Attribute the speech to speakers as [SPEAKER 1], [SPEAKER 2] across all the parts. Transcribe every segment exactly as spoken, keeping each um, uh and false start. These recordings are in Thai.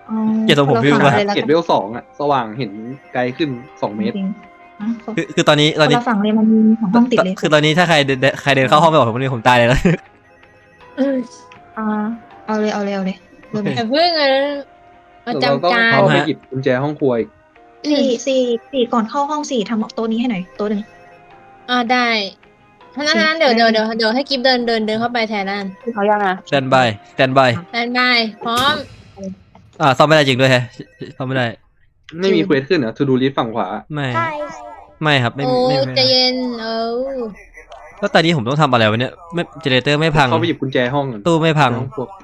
[SPEAKER 1] เกียรติผมพิวว่า
[SPEAKER 2] เกตเวลสองอะสว่างเห็นไกลขึ้นสองเมตร
[SPEAKER 1] คือคือตอนนี้ตอนนี้
[SPEAKER 3] ฝั่งเลยมันมีของห้องติดเลย
[SPEAKER 1] คือตอนนี้ถ้าใครใครเดินเข้าห้องไปบอกผมนี่ผมตายเลยแล้ว
[SPEAKER 3] อ่าเอาเลยเอาเลยเอาเลย
[SPEAKER 4] แต่เพิ่งเลยมาจำการ
[SPEAKER 2] เราไปหยิบกุญแจห้องครัวอีก
[SPEAKER 3] สี่สี่สี่ก่อนเข้าห้องสี่ทำโต๊ะนี้ให้หน่อยโต๊ะหนึ่ง
[SPEAKER 4] อ่าได้เพราะนั้นเดี๋ยวเดี๋ยวเดี๋ยวเดี๋ยวให้กิฟเดินเดินเดินเข้าไปแทนนั่น
[SPEAKER 3] เขายังอ่ะ
[SPEAKER 1] stand by stand by
[SPEAKER 4] stand by พร้อม
[SPEAKER 1] อ่าซ่อมไม่ได้จริงด้วยฮะซ่อมไม่ได้
[SPEAKER 2] ไม่มีเควสขึ้นเหรอ to do list ฝั่งขวา
[SPEAKER 1] ไม่ไม่ครับไม่
[SPEAKER 4] โอ้ใจเย็นเออ
[SPEAKER 1] แล้วตอนนี้ผมต้องทำอะไรวะเนี่ยไม่เจเนเรเตอร์ไม่พัง
[SPEAKER 2] เขาไปหยิบกุญแจห้อง
[SPEAKER 1] ตู้ไม่พัง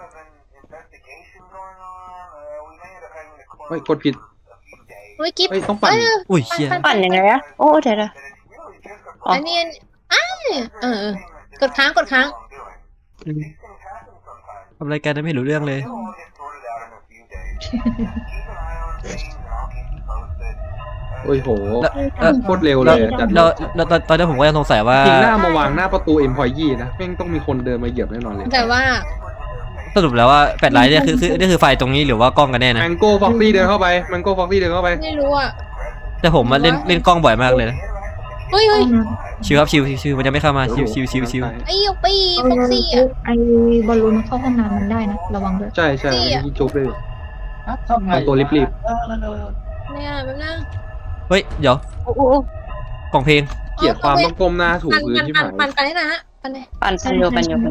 [SPEAKER 2] เฮ้ยกดผิด
[SPEAKER 4] เฮ้ยกิฟ
[SPEAKER 2] ต้องปั่น
[SPEAKER 1] อุ้ยเชี่ย
[SPEAKER 3] ปั่นยังไงอะโอ้เดี๋ยวนะ
[SPEAKER 4] อันนี้อ้าเออกดค้างกดค้าง
[SPEAKER 1] ทำรายการไม่รู้เรื่องเลย
[SPEAKER 2] โอ้ยโหโคตรเร็วเลยจัด
[SPEAKER 1] แล้วแล้วตอนนี้ผมก็ยังสงสัยว่า
[SPEAKER 2] จริงหน้ามาวางหน้าประตูเอ็มพอยยี่นะแม่งต้องมีคนเดินมาเหยียบแน่นอนเลย
[SPEAKER 4] แต่ว่า
[SPEAKER 1] สรุปแล้วว่าแปดไลท์เนี่ยคือคือนี่คือไฟตรงนี้หรือว่ากล้องกันแน่นะ
[SPEAKER 2] แมงโก้ฟ็อกซี่เดินเข้าไปแมงโก้ฟ็อกซี่เดินเข้าไป
[SPEAKER 4] ไม่รู้อ่ะ
[SPEAKER 1] แต่ผมมาเล่นเล่นกล้องบ่อยมากเลยนะ
[SPEAKER 4] เฮ้ยเฮ้ย
[SPEAKER 1] ชิวครับชิวชิวมันจะไม่เข้ามาชิวชิวชิวชิว
[SPEAKER 4] ไอ้ยปีฟ็อกซี่อ่ะ
[SPEAKER 3] ไอ้บอลลูนเข้าห้องน้ำมันได้นะระวังด้วย
[SPEAKER 2] ใช่ใช่ที่จุ๊บเลยตัวรีบรีบ
[SPEAKER 4] เนี่ยแบบนั้น
[SPEAKER 1] เฮ้ยเดี๋ยวกล่องเพลง
[SPEAKER 2] เกลียดความต้องก้มหน้าถูพื้นที่หมาย
[SPEAKER 4] ปั่นปั่นได้นะปั่นเลย
[SPEAKER 3] ปั่นปั่นโยปั่นโย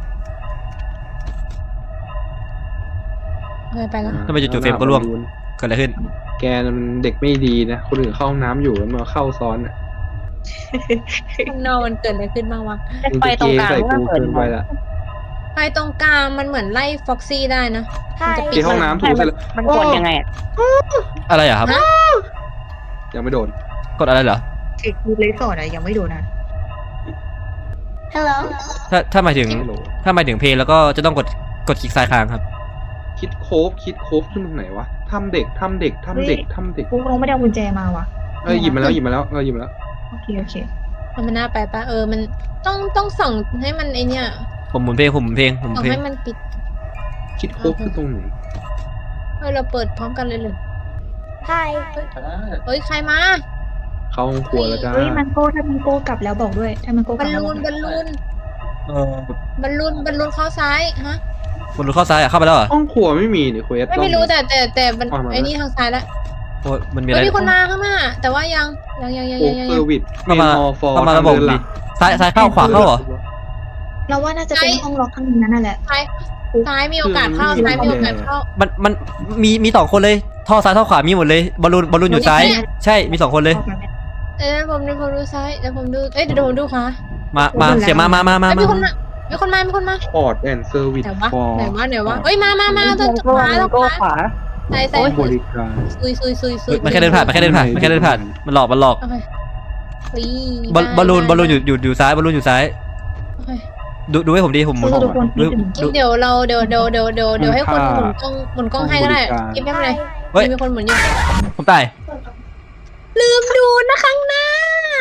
[SPEAKER 4] ไปแล้ว
[SPEAKER 1] ทำไมจู่ๆเฟรมก็ร่วงเกิดอะไรขึ้น
[SPEAKER 2] แกมันเด็กไม่ดีนะคนอื่นเข้าห้องน้ำอยู่แล้วมาเข้าซ้อนอ่ะ
[SPEAKER 4] ข้างนอกมันเกิดอะไรขึ้นบ้างวะ
[SPEAKER 3] ไฟตรงกลาง
[SPEAKER 2] ก็เปิดไปละ
[SPEAKER 4] ไฟตรงกลางมันเหมือนไล่ฟ็อกซี่ได้นะ
[SPEAKER 2] ที่ห้องน้ำถูเสร็จแล้ว
[SPEAKER 3] มันกดยังไงอ่ะ
[SPEAKER 1] อะไรอ่ะครับ
[SPEAKER 2] ยังไม่โดน
[SPEAKER 1] กดอะไรเหรอ
[SPEAKER 3] คือเลสอร์ดอะยังไม่โดนนะฮัลโหล
[SPEAKER 1] ถ้าถ้าหมายถึงถ้าหมายถึงเพลงแล้วก็จะต้องกดกดคลิกซ้ายค้างครับ
[SPEAKER 2] คิดโคฟคิดโคฟขึ้นตรงไหนวะทำเด็กทำเด็กทำเด็กทำเด็ก
[SPEAKER 3] กูลงไม่ได้กุญแจมาวะ
[SPEAKER 2] เออหยิบมาแล้วหยิบมาแล้วเออหยิบมาแล้ว
[SPEAKER 3] โอเคโอเค
[SPEAKER 4] มันน่าไปปะเออมันต้องต้องส่องให้มันไอเนี้ย
[SPEAKER 1] ผมหมุนเพลงผมหมุนเพลงผมหมุนเพลง
[SPEAKER 4] ให้มันปิด
[SPEAKER 2] คิดโคฟขึ้นตรงไหน
[SPEAKER 4] เฮ้ยเราเปิดพร้อมกันเลยเลย
[SPEAKER 3] ใช่
[SPEAKER 4] เฮ้ยใครมา
[SPEAKER 2] เข้าห้องครัวแล้วจ้า
[SPEAKER 3] เฮ้ยมันโก้ถ้ามันโก้กลับแล้วบอกด้วยถ้ามันโก้กลั
[SPEAKER 4] บบอลลูนบอลลูน
[SPEAKER 1] เอ
[SPEAKER 4] อบอลลูนบอลลูนเข้าซ้ายฮะ
[SPEAKER 1] บอลลูนเข้าซ้ายอ่ะเข้าไปแล้วเหรอ
[SPEAKER 2] ห้องครัวไม่มีเนี่ยเควส
[SPEAKER 4] ไม่ไม่รู้แต่แต่แต่มันไอ้นี่ทางซ้ายแล้ว
[SPEAKER 1] โอ้มันมีอะไร
[SPEAKER 4] มีคนมาข้างหน้าแต่ว่ายังยังยังยังยังยัง
[SPEAKER 2] เซอร์วิส
[SPEAKER 1] เข้ามาเข้ามาระบบดิซ้ายซ้ายเข้าขวาเข้าเหรอ
[SPEAKER 3] เราว่าน่าจะเป็นห้องล็อกข้างนั้นนั่นแหละ
[SPEAKER 4] ซ้ายซ้ายมีโอกาสเข้าซ้ายมีโอกาสเข้า
[SPEAKER 1] มันมันมีมีสองคนเลยท่อซ้ายท่อขวามีหมดเลยบอลลูนบอลลูนอยู่ซ้ายใช่มีสองคนเลย
[SPEAKER 4] เดี๋ยวผมดูผมดูซ้ายเดี๋ยวผมดูเอ้ยเดี๋ยวผมดูขวา
[SPEAKER 1] มามาเสียมามามามา
[SPEAKER 4] มีคนมามีคนมามีคนมา
[SPEAKER 2] พอร์ตแอนด์เซอร์วิส
[SPEAKER 4] ฟอร์ไหนวะไหนวะเอ้ยมามามาตัวขวาตัวขวาใส่ใส่
[SPEAKER 2] บริการ
[SPEAKER 4] ซุยซุยซุยซุย
[SPEAKER 1] มันแค่เดินผ่านมันแค่เดินผ่านมันแค่เดินผ่านมันหลอกมันหลอกบอลบอลลูนบอลลูนอยู่อยู่อยู่ซ้ายบอลลูนอยู่ซ้ายดูดูให้ผมดีผมหมุน
[SPEAKER 4] ดูเดี๋ยวเราเดี๋ยวเดี๋ยวเดี๋ยวเดี๋ยวเดี๋ยวให้คนหมุนกล้องหมุนกล้องให้ก็ได้ยิ้มแย้มเลยเฮ้ยมีคนหมุนอยู่
[SPEAKER 1] ผมตาย
[SPEAKER 4] ลืมดูนะข้างหน้า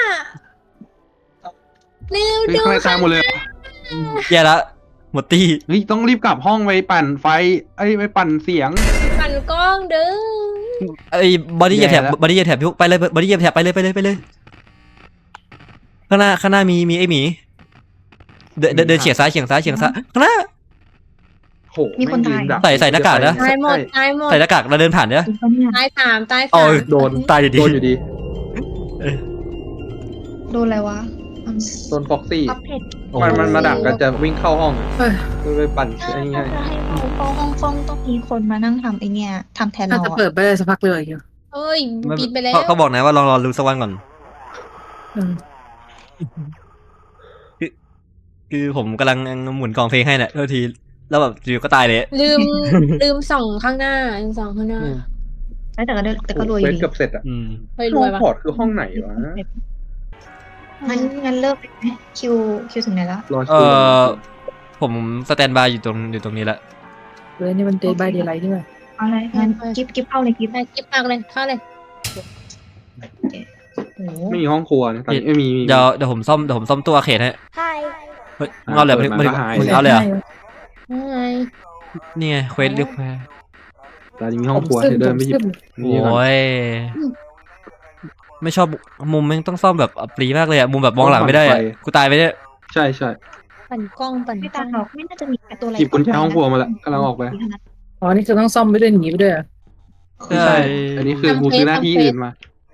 [SPEAKER 4] ลืมดู
[SPEAKER 2] ข้างหน้าหมดเลย
[SPEAKER 1] แย่ละหมดตี
[SPEAKER 2] เฮ้ยต้องรีบกลับห้องไปปั่นไฟไอ้ไปปั่นเสียง
[SPEAKER 4] ปั่นกล้องเด้อ
[SPEAKER 1] ไอ้บอดี้เหยียบแถบบอดี้เหยียบแถบไปเลยบอดี้เหยียบแถบไปเลยไปเลยไปเลยข้างหน้าข้างหน้ามีมีไอ้หมีเดินเดินเฉียงซ้ายเฉียงซ้ายเฉียงซ้ายข้างหน้า
[SPEAKER 2] โหมีคนตาย
[SPEAKER 1] ใส่ใส่หน้ากากนะ
[SPEAKER 4] ตายหมดตายหมด
[SPEAKER 1] ใส่หน้ากากเราเดินผ่านเนี่ย
[SPEAKER 4] ตายสามตายสาม
[SPEAKER 2] โดน
[SPEAKER 1] ตายอยู่ดี
[SPEAKER 2] โดนอยู่ดี
[SPEAKER 3] โดนอะไรวะ
[SPEAKER 2] โดนฟ็อกซี่มันมันมาดักกันจะวิ่งเข้าห้องไปปั่นไอ้นี่ให้
[SPEAKER 3] ห้องห้องห้องต้องมีคนมานั่งทำไอ้นี่ทำแทนเรา
[SPEAKER 5] จะเปิดไปเลยสักพักเลยอยู่
[SPEAKER 4] เอ้ยปิดไปแล้ว
[SPEAKER 1] เขาบอกนะว่าลองรอรู้สักวันก่อนคือคือผมกำลังหมุนกล่องเพลงให้เนี่ยทันทีแล้วแบบอยู่ก็ตายเลย
[SPEAKER 4] ลืมลืมส่องข้างหน้าส่องข้างหน้า
[SPEAKER 3] แต่ก็แต่ก็รวย
[SPEAKER 2] ดีเกือบเสร็จอ่ะห้องพอร์ตคือห้องไหนวะ
[SPEAKER 3] งั้นงั้นเลิกไหมคิวคิวถึงไหนแล้ว
[SPEAKER 1] เออผมสแตนบายอยู่ตรงอยู่ตรงนี้ละ
[SPEAKER 5] เฮ้ยนี่มันเดย์บายเดย์ไลท์ใช่ไหม
[SPEAKER 3] อะไรงั้นกิฟกิฟเข้าเลยกิฟ
[SPEAKER 4] ไปกิฟมากเลยเข้าเลย
[SPEAKER 2] ไม่มีห้องครัวนะตอนนี้ไม่มี
[SPEAKER 1] เดี๋ยวเดี๋ยวผมซ่อมเดี๋ยวผมซ่อมตัวเขตให้เฮ้ยมึงเอาเลยมึงมึงเอาเลยเหรอนี่ไงเควสเรียกแพ้
[SPEAKER 2] ตอนนี้มีห้องครัวเธอเดินไปหยิบนี่ก่อน
[SPEAKER 1] โอ้ยไม่ชอบมุมแม่งต้องซ่อมแบบอับปรีมากเลยอะมุมแบบมองหลังไม่ได้อะกูตายไปเนี่ย
[SPEAKER 2] ใช่ใช่
[SPEAKER 4] ปั่นกล้องปั่น
[SPEAKER 3] ไม่
[SPEAKER 4] กล้
[SPEAKER 3] ตา
[SPEAKER 4] อง
[SPEAKER 3] หรอกไม่น่าจะมีตัวอะไร
[SPEAKER 2] หยิบกุญแจห้องครัวมาแล้วกำลังออกไป
[SPEAKER 5] อ๋อนี่คือต้องซ่อมไปด้วยหนีไปด้วยเหรอ
[SPEAKER 2] ไม่ใช่ อันนี้คือกูซื้อหน้าที่อื่นมา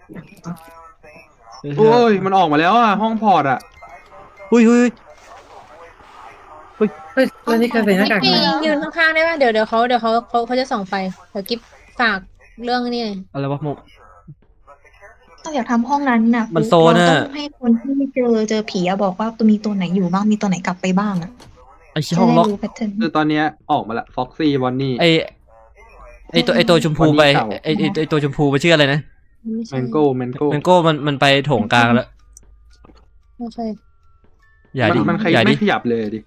[SPEAKER 2] โอ้ย มันออกมาแล้วอ่ะ ห้องพอร์ตอ่ะ
[SPEAKER 1] หุ้ยหุ้ย
[SPEAKER 5] เฮ้ยแล้วนี่คือใส่หน้ากาก
[SPEAKER 4] พี่
[SPEAKER 5] มา
[SPEAKER 4] ยืนข้างๆได้ป่ะเดี๋ยวเดี๋ยวเขาเดี๋ยวเขาเขาเขาจะส่องไฟเดี๋ยวกิ๊บฝากเรื่องนี่
[SPEAKER 1] อะไรวะมุม
[SPEAKER 3] ต้องอยากทำห้องนั้นน่ะ
[SPEAKER 1] มันโซน
[SPEAKER 3] เรา
[SPEAKER 1] อะ
[SPEAKER 3] ต้องให้คนที่เจอเจอผีอะบอกว่าตัวมีตัวไหนอยู่บ้างมีตัวไหนกลับไปบ้างอะ
[SPEAKER 1] ไอ้ชี้ห้องล็อก
[SPEAKER 3] จะได้รู้แพทเทิร์น
[SPEAKER 2] คือตอนเนี้ยออกมาละ ฟ็อกซี่ บอนนี่
[SPEAKER 1] ไอ้ไอ้ตัวไอ้ตัวชมพูไป
[SPEAKER 2] วันนี้เก่า
[SPEAKER 1] ไอ้ไอ้ไอ้ตัวชมพูมันชื่ออะไรนะ
[SPEAKER 4] ไม่
[SPEAKER 2] แม
[SPEAKER 4] ใช่
[SPEAKER 2] นโก้แมนโก้
[SPEAKER 1] แมงโก้มันมันไปโถงกลางแล้ว
[SPEAKER 4] โอเค
[SPEAKER 1] อย่า
[SPEAKER 2] มัน
[SPEAKER 1] ดิ
[SPEAKER 2] มันใคร
[SPEAKER 1] อย่าดิ
[SPEAKER 2] ไม่ขยับเลยดิ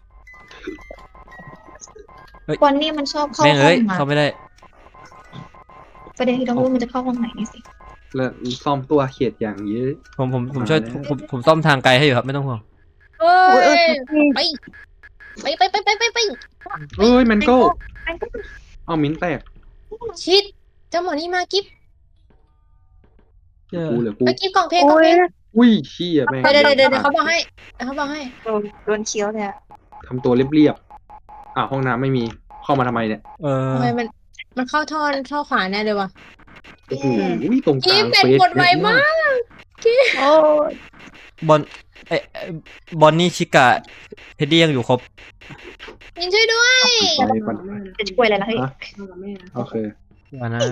[SPEAKER 3] วันนี้มันชอบเข้า
[SPEAKER 1] แม่ง
[SPEAKER 3] ห้อ
[SPEAKER 1] เอ้ย
[SPEAKER 3] งมา
[SPEAKER 1] เข้าไม่ได้
[SPEAKER 3] ประเด็นที่ต้องรู้มันจะเข้าห้องไหนนี่สิ
[SPEAKER 2] แล้วซ่อมตัวเขียดอย่างเยอะ
[SPEAKER 1] ผมผมผมช่วยผมผมผมซ่อมทางไกลให้อยู่ครับไม่ต้องห่วง
[SPEAKER 4] เฮ้ยไปไปไปไปไปไปไป
[SPEAKER 2] เอ้ยแมนโก้เอามิ้นแตก
[SPEAKER 4] ชิดเจ้าหมอนี่มากิ๊บ
[SPEAKER 2] กูเหลือกู
[SPEAKER 4] ไปกิ๊บกล่องเพลงกล่องเพลง
[SPEAKER 2] อุ้ยเชี่ยแม่ง
[SPEAKER 4] เดี๋ยวเดี๋ยวเดี๋ยวเดี๋ยวเขาบอกให้เดี๋ยวเขาบอกให้
[SPEAKER 3] โดนโดนเคี้ยวเลยอะ
[SPEAKER 2] ทำตัวเรียบๆ อ่ะห้องน้ำไม่มี เข้ามาทำไมเนี่ย
[SPEAKER 1] เออ
[SPEAKER 4] ทำไมมันมันเข้าท่อท่อขวาแน่เลยวะ
[SPEAKER 2] โอ้โหตรงก
[SPEAKER 4] กิ๊
[SPEAKER 2] ลา
[SPEAKER 4] บ
[SPEAKER 2] ง
[SPEAKER 4] เป็น
[SPEAKER 2] เฟส
[SPEAKER 4] กดไวมาก
[SPEAKER 3] โอ้
[SPEAKER 1] บอลไอ้ไอ้บอนนี่ชิกะเฮดดี้ยังอยู่ครบ
[SPEAKER 4] ยินช่วยด้วย
[SPEAKER 2] ไปก่อน
[SPEAKER 3] จะช่วยอะไรล่ะเฮ้ย
[SPEAKER 2] ฮะ โอเค
[SPEAKER 1] ว่านะ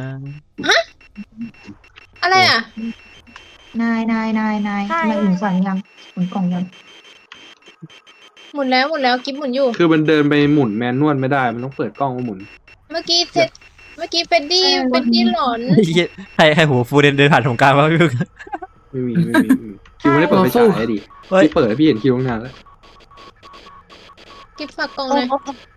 [SPEAKER 4] อะไรอ่ะ
[SPEAKER 3] นายนายนายนายทำไมหมุนสั่นยังหมุนกล่องยัง
[SPEAKER 4] หมุนแล้วหมุนแล้วกิ๊บหมุนอยู่
[SPEAKER 2] คือมันเดินไปหมุนแมนนวลไม่ได้ มันต้องเปิดกล้องมาหมุน
[SPEAKER 4] เมื่อกี้เซตเมื่อกี้เฟดดี้เฟดดี้หลอน
[SPEAKER 1] ให้ให้หัวฟูเดินเดินผ่านตรงกลางวะพี่พึ่ง
[SPEAKER 2] ไม่มีไม่มีไม่มีคิวไม่ได้เปิดไฟฉายอะดิ
[SPEAKER 1] เฮ้ย
[SPEAKER 2] พี่เปิดให้พี่เห็นคิวตั้งนานแล้ว
[SPEAKER 4] กิ๊บฝากกล่องเลย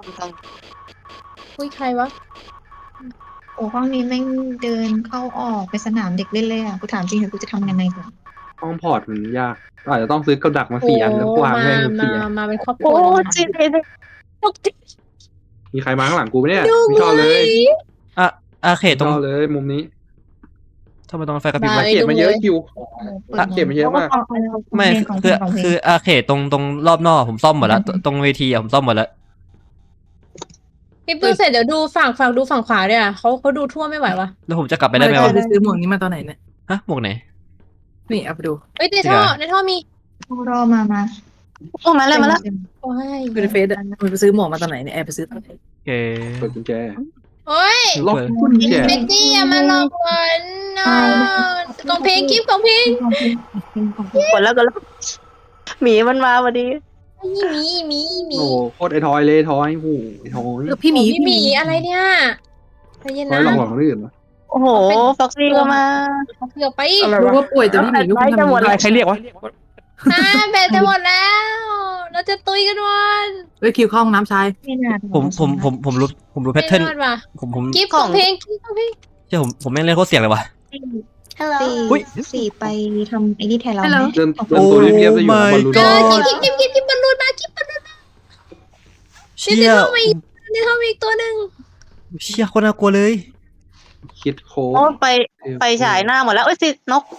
[SPEAKER 4] อุ้ยใครวะ
[SPEAKER 3] โอ้ห้องนี้แม่งเดินเข้าออกไปสนามเด็กเล่นเลยอ่ะกูถามจริงเถอะกูจะทำยังไงก่อน
[SPEAKER 2] ห้องพอร์ตมันยากอาจจะต้องซื้อกับดักมาสี่อันแล้ววาง
[SPEAKER 4] มา
[SPEAKER 2] แม่ง
[SPEAKER 4] มา
[SPEAKER 2] สี่อัน
[SPEAKER 4] มาเป็นครอบครัวจริงเลย
[SPEAKER 2] มีใครมาข้างหลังกูไหมเนี่ยไม่ชอบเลย
[SPEAKER 1] อ่ะอาเขต
[SPEAKER 2] ไม่
[SPEAKER 1] ตรง
[SPEAKER 2] ชอบเลยมุมนี้
[SPEAKER 1] ทำไมตรงไฟกระพริบ
[SPEAKER 4] มา
[SPEAKER 1] วะ
[SPEAKER 2] เก็บมาเยอะคิว
[SPEAKER 3] ปิด
[SPEAKER 2] อ่ะเก็บมาเยอะมาก
[SPEAKER 1] ไม่
[SPEAKER 3] ของเพ
[SPEAKER 1] คื
[SPEAKER 3] ล
[SPEAKER 1] อง
[SPEAKER 3] ของเพลง
[SPEAKER 1] คืออาเขตตรงตรงรอบนอกผมซ่อมหมดแล้วตตรงเวทีอะผมซ่อมหมดแล้ว
[SPEAKER 4] กิ๊บดูเสร็จเดี๋ยวดูฝั่งฝั่งดูฝั่งขวาด้วยอ่ะเขาเขาดูทั่วไม่ไหววะ
[SPEAKER 1] แล้วผมจะกลับไปได้ไหม
[SPEAKER 5] เรา
[SPEAKER 1] วะ
[SPEAKER 5] ไปซื้อหมวกนี้มาตอนไหนเนี่ย
[SPEAKER 1] ฮะหมวกไหน
[SPEAKER 5] นี่เอาไปดู
[SPEAKER 4] เอ้ยในท่อในท่อมี
[SPEAKER 3] รอมามา
[SPEAKER 6] โอ้มาแล้วมาแล้ว
[SPEAKER 4] โอ้ย
[SPEAKER 5] ดูในเฟซอะมันไปซื้อหมวกมาตอนไหนเนี่ยแอบไปซื้อตอนไหน
[SPEAKER 1] โอเค
[SPEAKER 2] เปิดกุญแจ
[SPEAKER 4] โอ้ย
[SPEAKER 2] ล็อกกุญแจ
[SPEAKER 4] เฟดดี้อย่ามาหลอกเงินนะกล่องเพลงกิ๊บกล่องเพลง
[SPEAKER 3] ของเพลงของเพลงของเพลง
[SPEAKER 6] กดแล้วกดแล้วหมีมันมาพอดี
[SPEAKER 4] มีมีมีมี
[SPEAKER 2] โอ้โหโคตรไอทอยเลยทอยโอ้โหไอทอย
[SPEAKER 5] เออพี่หมี
[SPEAKER 4] พี่หมีอะไรเนี่ยใจเย็น
[SPEAKER 2] ทอ
[SPEAKER 4] นะ
[SPEAKER 2] ยหลอกหลอกคนอื่นปะ
[SPEAKER 6] โอ้โหฟ็อกซี่ก็มา
[SPEAKER 4] เขาเกือบไป
[SPEAKER 5] รู้ว่าป่วยแต่พี่หมีก็
[SPEAKER 6] ไล่จะหมด
[SPEAKER 5] ทำ
[SPEAKER 6] ใครเรียกวะ
[SPEAKER 4] อ่าแบตจะหมดแล้ว เราจะตุยกันวัน
[SPEAKER 5] เฮ้ยคิวเข้าห้องน้ำชาย
[SPEAKER 3] ไม่น่า
[SPEAKER 1] ผมผมผมผมรู้ผมรู้แพท
[SPEAKER 4] ไม่
[SPEAKER 1] เทิร์น
[SPEAKER 4] รอดว่ะ
[SPEAKER 1] ผมผม
[SPEAKER 4] กิ๊บของเพลงกิ๊บของเพลง
[SPEAKER 1] เชื่อผมผมแม่งเล่นโคตรเสี่ยงเลยว่ะ
[SPEAKER 6] ฮัลโหล
[SPEAKER 3] สี่
[SPEAKER 1] อุ๊ย
[SPEAKER 3] สี่ไปทำไอ้นี่แทนเรา
[SPEAKER 5] ให้
[SPEAKER 3] ไหม
[SPEAKER 5] เรา
[SPEAKER 2] เดินเดินตัวเรียบๆจะอยู่กับบอลลูน
[SPEAKER 4] เออกิ๊บกิ๊บกิ๊บกิ๊บบอลลูนมากิ๊บบอลลูน
[SPEAKER 1] เชี่
[SPEAKER 4] เดี๋
[SPEAKER 1] ย
[SPEAKER 4] ยวเข้ามาอีกเดี๋ยวเข้ามาอีกตัวหนึ่ง
[SPEAKER 1] เชี่ยโคตรน่ากลัวเลย
[SPEAKER 2] คิดโค้
[SPEAKER 6] โอ้
[SPEAKER 2] ด
[SPEAKER 6] ไปไปฉายหน้าหมดแล้วเอ้ยสินก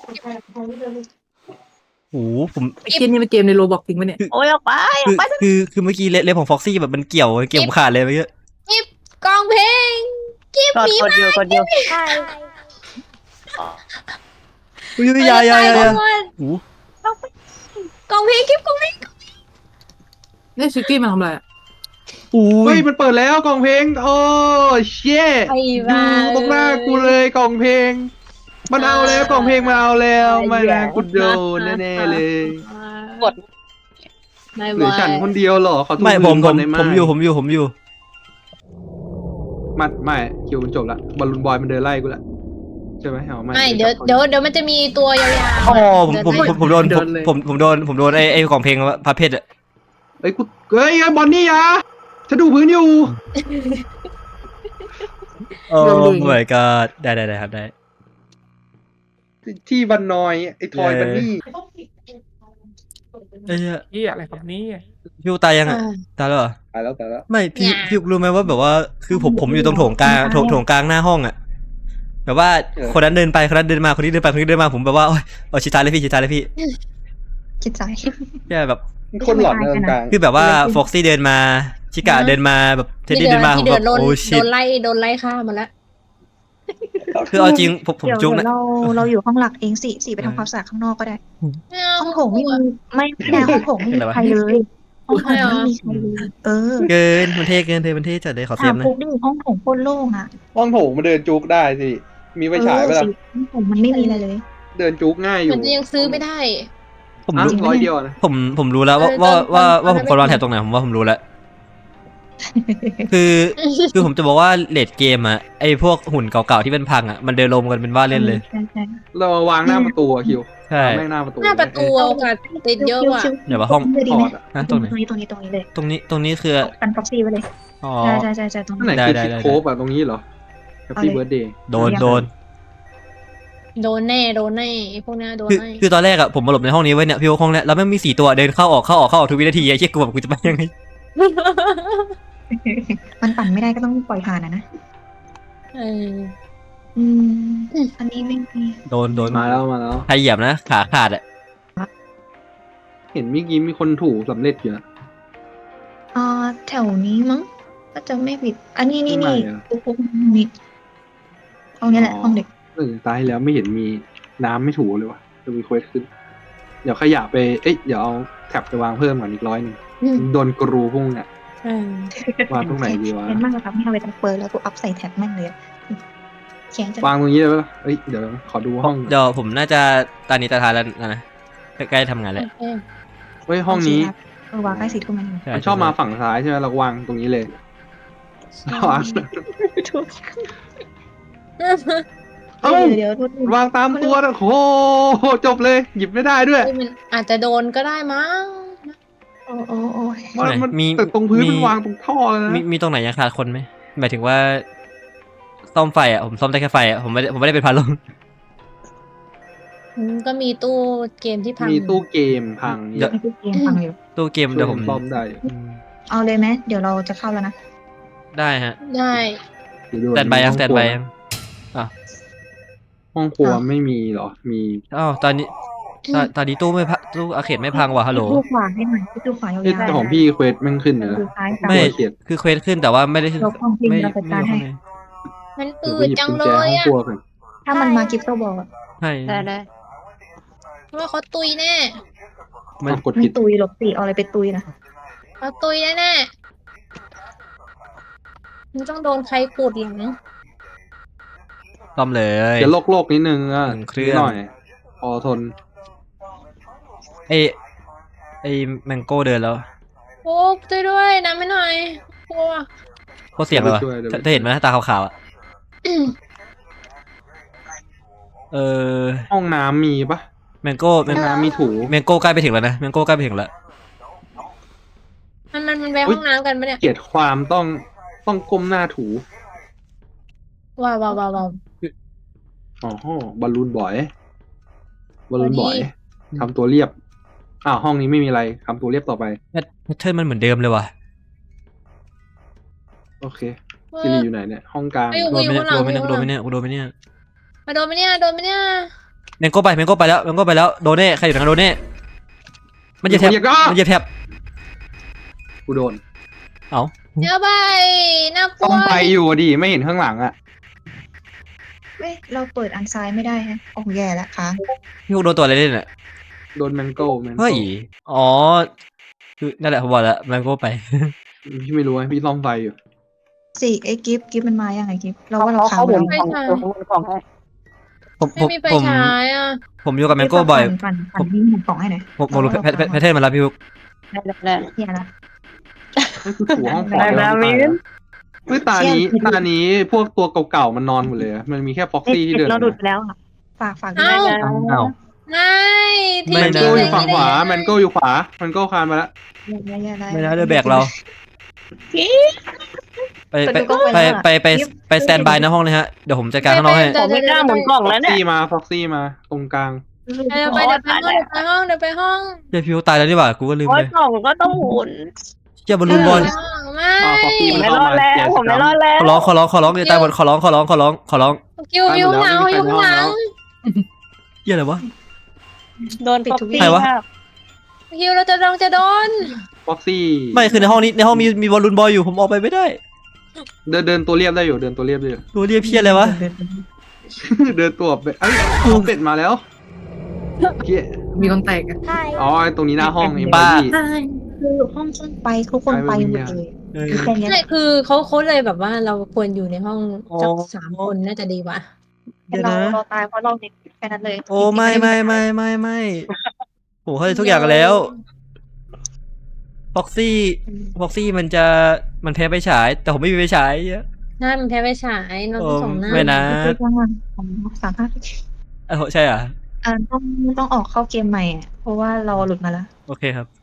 [SPEAKER 1] โอ้โหผม
[SPEAKER 5] ไอ้เกมนี่มันเกมในโรบอกจริงปะเนี่ย
[SPEAKER 6] โอ้ยออกไปอ
[SPEAKER 1] คือ
[SPEAKER 6] อกไป
[SPEAKER 1] คือคือเมื่อกี้เล็บของฟ็อกซี่แบบมันเกี่ยวเกี่ยวผมขาดเลยเมื่อกี้
[SPEAKER 4] กองเพลงกิ๊บ
[SPEAKER 6] กด
[SPEAKER 4] หมี
[SPEAKER 6] กดเดียวกดเดียว
[SPEAKER 1] อุ้ยอยาอยาอยาอยาโอ้
[SPEAKER 4] กองเพลงกิ๊บกองเพลง
[SPEAKER 5] นี่ชิคกี้มันทำอะไรอะ
[SPEAKER 1] โอ้
[SPEAKER 2] เฮ้
[SPEAKER 1] ย
[SPEAKER 2] ยมันเปิดแล้วกล่องเพลงโอ้เชี่ย
[SPEAKER 4] ไอ้
[SPEAKER 2] อยู่
[SPEAKER 4] บ้า
[SPEAKER 2] ตรงหน้ากูเลยกล่องเพลง มันเอาแล้วกล่องเพลงมาเอาแล้วไม่นะกูโดนแน่ๆเลย
[SPEAKER 6] กด
[SPEAKER 4] ไม่
[SPEAKER 2] เหลือฉันคนเดียวเหรอขอโทษ
[SPEAKER 1] ไม่ผม
[SPEAKER 2] ก่
[SPEAKER 1] ผ
[SPEAKER 2] อน
[SPEAKER 1] ม
[SPEAKER 2] ได้ไหม
[SPEAKER 1] ผมอยู่ผมอยู่ผมอยู่
[SPEAKER 2] มัดไม่คิวมันจบละบอลลูนบอยมันเดินไล่กูละใช่ไหมเอาไม่
[SPEAKER 4] ไม่เดี๋ยวเดี๋ยวเดี๋ยวมันจะมีตัวยาวๆ
[SPEAKER 1] อ๋อผมผมผมผมโดนผมผมผมโดนผมโดนไอ้ไอ้ของเพลงพระเพชรอะ
[SPEAKER 2] เอ้ยกูเอ้ยบอลนี่ยะฉันดูพื้นอยู่
[SPEAKER 1] โอ้ my god ได้ได้ได้ครับได้
[SPEAKER 2] ที่บันนอยไอ้ทอยบันนี่
[SPEAKER 1] เอ้ย
[SPEAKER 7] นี่อะไรครับนี่
[SPEAKER 1] พี่อูตายยังอ่ะตายแล้วเหรอ
[SPEAKER 2] ตายแล้วตายแล้ว
[SPEAKER 1] ไม่พี่พี่รู้ไหมว่าแบบว่าคือผมผมอยู่ตรงโถงกลางโถงโถงกลางหน้าห้องอ่ะแบบว่าคนนั้นเดินไปคนนั้นเดินมาคนนี้เดินไปคนนี้เดินมาผมแบบว่าโอ๊ยเอาชิดท้ายเลยพี่ชิดท้ายเลยพี่
[SPEAKER 3] คิดใจ
[SPEAKER 1] แค่แบบ
[SPEAKER 2] คนหลอนเดินกลาง
[SPEAKER 1] คือแบบว่าฟ็อกซี่เดินมาชิกาเดินมาแบบเท็ดดี้เดินมาผม
[SPEAKER 4] ที่เดื
[SPEAKER 1] แบ
[SPEAKER 4] อด
[SPEAKER 1] บ
[SPEAKER 4] โดน
[SPEAKER 1] โอ้
[SPEAKER 4] โด
[SPEAKER 1] ชิต
[SPEAKER 4] นไล่โดนไล่ฆ่ามาแล้ว
[SPEAKER 1] คือเอาจริงผมผม
[SPEAKER 3] เดี๋ยว
[SPEAKER 1] จุก
[SPEAKER 3] เดี๋ย
[SPEAKER 1] นะ
[SPEAKER 3] วเราเราอยู่ห้องหลักเองสิสิไปทำความสะอาดข้างนอกก็ได้
[SPEAKER 4] ไม่เอา
[SPEAKER 3] ห้องโถงไม่มีไม่ไม่ได้ห้องโถงไม่มีใครเลยห้องโถงไม่มีใครเลยเออ
[SPEAKER 1] เกินมันเท่เกินเท่มันเท่จัดเลยขอเซ
[SPEAKER 3] ถาม
[SPEAKER 1] ฟนะ
[SPEAKER 3] ปุ๊บดิห้องโถงโคตรโล่งอ่ะ
[SPEAKER 2] ห้องโถงมาเดินจุกได้สิมีไฟฉายไป
[SPEAKER 3] เออ
[SPEAKER 2] ละ
[SPEAKER 3] สิห้องโถงมันไม่มีอะไรเลย
[SPEAKER 2] เดินจุกง่ายอยู่
[SPEAKER 4] มันจะยังซื้อไม่ได้
[SPEAKER 1] ผม
[SPEAKER 2] อ่ะ
[SPEAKER 1] รู้
[SPEAKER 2] ร้อยเดียวนะ
[SPEAKER 1] ผมผมรู้แล้วว่า
[SPEAKER 4] เออ
[SPEAKER 1] ว่า
[SPEAKER 4] ตอน
[SPEAKER 1] ว่า
[SPEAKER 4] ตอน
[SPEAKER 1] ว่าผมควรวางแถบตรงไหนผมว่าผมรู้แล้ว คือคือผมจะบอกว่าเลดเกมอะไอพวกหุ่นเก่าๆที่เป็นพังอะมันเดินลมกันเป็นว่าเล่นเลย
[SPEAKER 3] ใช่ใช่
[SPEAKER 2] เราวางหน้าประตูอะคิว
[SPEAKER 1] ใช่
[SPEAKER 2] แม่งหน้าประตู
[SPEAKER 4] หน้าประตูโอกาสติดเยอะกว่า
[SPEAKER 3] ชิว
[SPEAKER 1] เดี๋ยวว่าห้อง
[SPEAKER 3] เลยดี
[SPEAKER 2] ถ
[SPEAKER 3] ไหม
[SPEAKER 2] อดอะ
[SPEAKER 1] ฮะ
[SPEAKER 3] ต
[SPEAKER 1] ต
[SPEAKER 3] ร
[SPEAKER 1] รง งไหน
[SPEAKER 3] นี้ตรงนี้ตรงนี้เลย
[SPEAKER 1] ตรงนี้ตรงนี้คือ
[SPEAKER 3] กันฟ็อกซี่ไว้เลย
[SPEAKER 1] อ๋อ
[SPEAKER 3] ใช่ใช่ใช่ใช่ตรง
[SPEAKER 2] ข้างไหน
[SPEAKER 3] นี้
[SPEAKER 2] คือ
[SPEAKER 1] ได้
[SPEAKER 2] คิด
[SPEAKER 1] ได้
[SPEAKER 2] โคบอะตรงนี้เหรอ Happy
[SPEAKER 3] เอาเลย
[SPEAKER 2] Birthday
[SPEAKER 1] โดนโดน
[SPEAKER 4] โดนแน่โดนแน่ไอ้พวกเนี้ยโดน
[SPEAKER 1] คือ
[SPEAKER 4] แน่
[SPEAKER 1] คือตอนแรกอะผมมาหลบในห้องนี้ไว้เนี่ยพี่ว่าห้องเนี้ยแล้วแม่งมีสี่ตัวเดินเข้าออกเข้าออกเข้าออกทุกวินาทีไอ้เชี่ยกูแบบกูจะไปยังไง
[SPEAKER 3] มันปั่นไม่ได้ก็ต้องปล่อยผ่านอะนะ
[SPEAKER 4] เออ
[SPEAKER 3] อืมอันนี้ไม่มี
[SPEAKER 1] โดนโดน
[SPEAKER 2] มาแล้วมาแล้ว
[SPEAKER 1] ใครเหยียบนะขาขาดอะ
[SPEAKER 2] เห็นเมื่อกี้มีคนถูกสำเร็จอยู่นะ
[SPEAKER 3] อ่าแถวนี้มั้งก็จะไม่ผิด อันนี้นี่
[SPEAKER 2] ข้างใน
[SPEAKER 3] นี่
[SPEAKER 2] อะ
[SPEAKER 3] ปุ๊บปุ๊บนี่ห้องนี้แหละห้องเด็ก
[SPEAKER 2] เออตายแล้วไม่เห็นมีน้ำไม่ถูเลยวะจะมีเควสขึ้น เดี๋ยวขยะไปเอ้ยเดี๋ยวเอาแท็บไปวางเพิ่มก่อนอีกร้อยหนึ่ง
[SPEAKER 4] อืม
[SPEAKER 2] โดนกรูพุ่งเนี่ย
[SPEAKER 4] เออ
[SPEAKER 2] วางตรงไหนดีวะ
[SPEAKER 3] เห็นมากเลยครับที่เอาไปทำเปิดแล้วกูอัพใส่แท็บแม่งเลยอะแข็งจะ
[SPEAKER 2] วางตรงนี้เลยปะล่ะเอ้ยเดี๋ยวขอดูห้อง
[SPEAKER 1] เดี๋ยวผมน่าจะตานี้ตาทานแล้วนะใกล้ๆทำงานแล้ว
[SPEAKER 4] โอเค
[SPEAKER 2] เฮ้ยห้องนี้
[SPEAKER 3] เออวางใกล้สีทุ่มมัน
[SPEAKER 1] ใช่
[SPEAKER 2] มันชอบมาฝั่งซ้ายใช่ไหมเราก็วางตรงนี้เลย วาง
[SPEAKER 3] เอ้าเดี๋ยวเดี๋ยว
[SPEAKER 2] วางตามตัวนะโอ้โหจบเลย หยิบไม่ได้ด้วย
[SPEAKER 4] เฮ้ยมันอาจจะโดนก็ได้มั้ง
[SPEAKER 3] โอ้โอ้โอ้ย
[SPEAKER 2] มันมัน
[SPEAKER 1] มี
[SPEAKER 2] แต่ตรงพื้น
[SPEAKER 1] มี
[SPEAKER 2] มันวางตรงท่อเลย
[SPEAKER 1] มี
[SPEAKER 2] นะ
[SPEAKER 1] มีตรงไหนยังขาดคนไหมหมายถึงว่าซ่อมไฟอะผมซ่อมได้แค่ไฟอะผมไม่ได้ผมไม่ได้เป็นพันลม
[SPEAKER 4] อืมก็มีตู้เกมที่พัง
[SPEAKER 2] มีตู้เกมพัง
[SPEAKER 1] เดี๋ยว
[SPEAKER 3] ไม่ได้เกมฟังอยู่
[SPEAKER 1] ตู้เกม
[SPEAKER 2] ช่วย
[SPEAKER 1] เดี๋ยวผม
[SPEAKER 2] ซ่อมได้อยู่
[SPEAKER 1] อืม
[SPEAKER 3] เอาเลยไหมเดี๋ยวเราจะเข้าแล้วนะ
[SPEAKER 1] ได้ฮะ
[SPEAKER 4] ได้
[SPEAKER 2] เดี๋ยวดู
[SPEAKER 1] แตนบายยัง
[SPEAKER 2] ห้อ
[SPEAKER 1] แตน
[SPEAKER 2] ครัว
[SPEAKER 1] บายยัง
[SPEAKER 2] ห้องครัว
[SPEAKER 3] อ้าว
[SPEAKER 2] ไม่มีเหรอ มี
[SPEAKER 1] อ้าวตอนนี้ตอนตอนนี้ตู้ไม่พังตู้อาเขตไม่พังว่ะฮัลโหล
[SPEAKER 3] ดูขวาให้หน่อยดูขวายาว
[SPEAKER 2] เอ้ยแต่ของพี่เควสแม่งขึ้น
[SPEAKER 3] ๆ
[SPEAKER 2] เลยนะ
[SPEAKER 3] ดูซ้ายตาม
[SPEAKER 1] ไม่
[SPEAKER 2] เขียน
[SPEAKER 1] คือเควสขึ้นแต่ว่าไม่ได้
[SPEAKER 3] เราห้องพิง
[SPEAKER 1] ไม่
[SPEAKER 3] เราจัด
[SPEAKER 1] ไม่
[SPEAKER 3] การ
[SPEAKER 1] อยู่
[SPEAKER 3] ให้
[SPEAKER 1] ข้างใน
[SPEAKER 4] มัน
[SPEAKER 2] เดี๋ยว
[SPEAKER 4] อื
[SPEAKER 2] ไป
[SPEAKER 4] ด
[SPEAKER 2] หยิบ
[SPEAKER 4] จัง
[SPEAKER 2] กุญ
[SPEAKER 4] เล
[SPEAKER 2] แจห้อง
[SPEAKER 4] ยอ่ะ
[SPEAKER 2] ครัวกัน
[SPEAKER 3] ถ้ามันมากิฟต์ก็บอกอะ
[SPEAKER 1] ใช่
[SPEAKER 6] ได้ได้
[SPEAKER 4] ว่าเขาตุยแน่
[SPEAKER 1] มัน
[SPEAKER 2] อ้าวกด
[SPEAKER 3] ไม่
[SPEAKER 2] ผิด
[SPEAKER 3] ตุยหรอกสิเอาอะไรไปตุยนะ
[SPEAKER 4] เขาตุยแน่แน่มันต้องโดนใครขูดหลัง
[SPEAKER 1] ซ่อมเลย
[SPEAKER 2] เดี๋ยวโลกโลกนิดนึงอ่ะ
[SPEAKER 1] หนึ่งเครื่อง
[SPEAKER 2] นิดหน่อยพอทน
[SPEAKER 1] ไอไอแมงโก้เดินแล้ว
[SPEAKER 4] โอ้ช่วยด้วยน้ำไม่หน่อยกลัว
[SPEAKER 1] โคตรเสียงเลยวะ
[SPEAKER 2] เดี๋ยวไปช่วยเดี๋ยวไป
[SPEAKER 1] เธอเห็นไหมตาขาวๆอ่ะเออ
[SPEAKER 2] ห้องน้ำมีปะ
[SPEAKER 1] แมงโก้แม
[SPEAKER 2] ห้อง งน้ำมีถู
[SPEAKER 1] แมงโก้ใกล้ไปถึงแล้วนะแมงโก้ใกล้ไปถึงแล้ว
[SPEAKER 4] มันมันมันไป
[SPEAKER 2] อุ๊
[SPEAKER 4] ห้
[SPEAKER 2] ย
[SPEAKER 4] องน้ำกันปะเนี่ย
[SPEAKER 2] เกลียดความต้องต้องก้มหน้าถู
[SPEAKER 4] ว้าวว้าวว้าวว้าว
[SPEAKER 2] อ๋อบอลลูนบ่อยบอลลูนบ่อย
[SPEAKER 4] พอดี
[SPEAKER 2] ทำตัวเรียบอ้าวห้องนี้ไม่มีอะไรทำตัวเรียบต่อไป
[SPEAKER 1] แพทแพทเทิร์นมันเหมือนเดิมเลยว่ะ
[SPEAKER 2] โอเคซิริอยู่ไหนเนี่ย ห้องกลาง
[SPEAKER 4] ไม่อยู่
[SPEAKER 1] โดนไหมเนี่ย
[SPEAKER 4] ข้างหลั
[SPEAKER 1] โด
[SPEAKER 4] ง
[SPEAKER 1] นไหมเนี่ย
[SPEAKER 4] อยู่
[SPEAKER 1] โดนไหมเนี่ยโดนไหมเนี่ย
[SPEAKER 4] มาโดนไหมเนี่ยโดนไหมเนี่ย
[SPEAKER 1] แมงโก้ไปแมงโก้ไปแล้วแมงโก้ไปแล้วโดนแน่ใครอยู่ทางโดนแน่มันจะแทบ
[SPEAKER 2] อย่าก็
[SPEAKER 1] มันจะแทบ
[SPEAKER 2] กูโดน
[SPEAKER 1] เอ้า
[SPEAKER 4] เดี๋ยวไปน่ากลั
[SPEAKER 2] ต้
[SPEAKER 4] ว
[SPEAKER 2] องไปอยู่ดิไม่เห็นข้างหลังอ่ะ
[SPEAKER 3] เว้ยเราเปิดอันซ้ายไม่ได้ฮะโอ้แย่ละค้าง
[SPEAKER 1] พี่พวกโดนตัวอะไรเล่นอ่ะ
[SPEAKER 2] โดนแมงโก้แมงโก้
[SPEAKER 1] เฮ้ยอ๋อคือนั่นแหละผมบอกแล้วแมงโก้ไป
[SPEAKER 2] พี่ไม่รู้ไงพี่ซ่อมไฟอยู่
[SPEAKER 3] สิไอ้กิฟต์กิฟต์มันมายังไงกิฟต์เราว่าเราค้าง
[SPEAKER 6] เขา
[SPEAKER 3] ไป
[SPEAKER 6] หมุน
[SPEAKER 3] แล้ว
[SPEAKER 6] ของเขาหมุนของให้
[SPEAKER 1] ผม
[SPEAKER 4] ไม่
[SPEAKER 1] ผม
[SPEAKER 4] มีไฟ
[SPEAKER 1] ผม
[SPEAKER 4] ฉายอ่ะ
[SPEAKER 1] ผมอยู่กับแมงโก้บ่อย
[SPEAKER 3] ปั่นปั่นปั่นที่หมุนกล่องให้หน่อย
[SPEAKER 1] ผมผมรู้แพทแพทแพทเทิร์นมาแล้วพี่พวก
[SPEAKER 6] ได้ได้ได้
[SPEAKER 3] เฮียละ
[SPEAKER 2] นั่นคือถูห้องขอ
[SPEAKER 6] ได้แล้ว
[SPEAKER 2] ตาย
[SPEAKER 6] มิ้น
[SPEAKER 2] เฮ้ยตานี้ตานี้พวกตัวเก่าๆมันนอนหมดเลยอะมันมีแค่ฟ็อกซี่ที่เดิน
[SPEAKER 6] เราดูดไปแล้วอ่ะ
[SPEAKER 3] ฝากฝากด้ว
[SPEAKER 4] เอ้า
[SPEAKER 3] ย
[SPEAKER 1] อ้าว
[SPEAKER 4] ไม่ที่
[SPEAKER 1] ไม่
[SPEAKER 2] แมน
[SPEAKER 1] ได้
[SPEAKER 2] โก้อยู่ฝั่งขวาแมนโก้อยู่ขวาแมนโก้คานมาแล้ว
[SPEAKER 3] อย่าอย่าอย่า
[SPEAKER 1] ไม่นะเดือแบกเรา ไปไป
[SPEAKER 3] ประตูก็
[SPEAKER 1] ไป
[SPEAKER 3] ไปแล้วอะ
[SPEAKER 1] ไปไปไปสแตนบายหน้าห้องเลยฮะเดี๋ยวผมจัดการข้างนอกให้
[SPEAKER 6] ผมไม่กล้าหมุนกล่อง
[SPEAKER 2] ฟ็
[SPEAKER 6] แล้
[SPEAKER 2] อ
[SPEAKER 6] ว
[SPEAKER 2] ก
[SPEAKER 6] เนี่ย
[SPEAKER 2] ซี่มาฟ็อกซี่มาตรงกลาง
[SPEAKER 4] เดี๋ยวไปเดี๋ยวไปห้องเดี๋ยวไปห้องเดี๋ยวไปห้อง
[SPEAKER 1] เดี๋ยวพี่พวกตายแล้วนี่หว่ากูก็ลืม
[SPEAKER 6] โอ้
[SPEAKER 1] เลย ย
[SPEAKER 6] กล่องก็ต้องหมุน
[SPEAKER 1] เจ้าบอลลูนบอล
[SPEAKER 4] เดี๋ยวไปห้องไม่
[SPEAKER 2] อ่าฟอกกี้
[SPEAKER 6] ผม
[SPEAKER 2] มัน
[SPEAKER 6] ไม่
[SPEAKER 2] เข้าร
[SPEAKER 6] อ
[SPEAKER 2] มา
[SPEAKER 6] ดแล้ว
[SPEAKER 2] แจก
[SPEAKER 6] ผมไม่รอด
[SPEAKER 2] ส
[SPEAKER 6] แล้ว
[SPEAKER 1] ขอร้องขอร้องขอร้องอย่าตายหมดขอร้องขอร้องขอร้องขอร้อง
[SPEAKER 4] คิวคิวหนาวคิวหนาว
[SPEAKER 1] เหี้ยอะไรวะ
[SPEAKER 6] โดนฟอกซี่
[SPEAKER 1] ใครวะ
[SPEAKER 6] ครับ
[SPEAKER 4] คิวเราจะลองจะโดน
[SPEAKER 2] ฟอกซี่
[SPEAKER 1] ไม่คือในห้องนี้ในห้องมีมีบอลลูนบอยอยู่ผมออกไปไม่ได้
[SPEAKER 2] เดินเดินตัวเรียบได้อยู่เดินตัวเรียบได้อยู่
[SPEAKER 1] ตัวเรียกเพี้ยอะไรวะ
[SPEAKER 2] เดินตัวเป็ดเอ้ยเอาเป็ดมาแล้วเหี้ย
[SPEAKER 5] มีคนแตกอะ
[SPEAKER 2] อ๋อไอ้ตรงนี้หน้าห้องเอ็ม
[SPEAKER 1] บ้า
[SPEAKER 2] บี
[SPEAKER 3] คือห้องขึ้นไปทุกคนไปหมดเลย
[SPEAKER 1] เออ
[SPEAKER 3] คือแค่เนี้ย
[SPEAKER 4] ใช่คือเขาเขาเลยแบบว่าเราควรอยู่ในห้องสักสามคนน่าจะดีกว่า
[SPEAKER 1] เดี๋ยว
[SPEAKER 3] เรา
[SPEAKER 1] นะ
[SPEAKER 3] เราตายเพราะเราเด็กแค่นั้นเลย
[SPEAKER 1] โอ้ไม่ไม่ไม่ไม่ไม่ผมเข้าใจทุกอย่างแล้วฟ็อกซี่ฟ็อกซี่มันจะมันแพ้ไปฉาย แต่ผมไม่มีไปฉายเยอะ
[SPEAKER 4] ใช่มันแพ้ไปฉายเราต้องส่งหน้า
[SPEAKER 1] ไม่นะ
[SPEAKER 3] คือจังหวะของสามารถ
[SPEAKER 1] เออใช่อ่ะ
[SPEAKER 3] อ่าต้องต้องออกเข้าเกมใหม่อะเพราะว่าเราหลุดมาแล้ว
[SPEAKER 1] โอเคครับ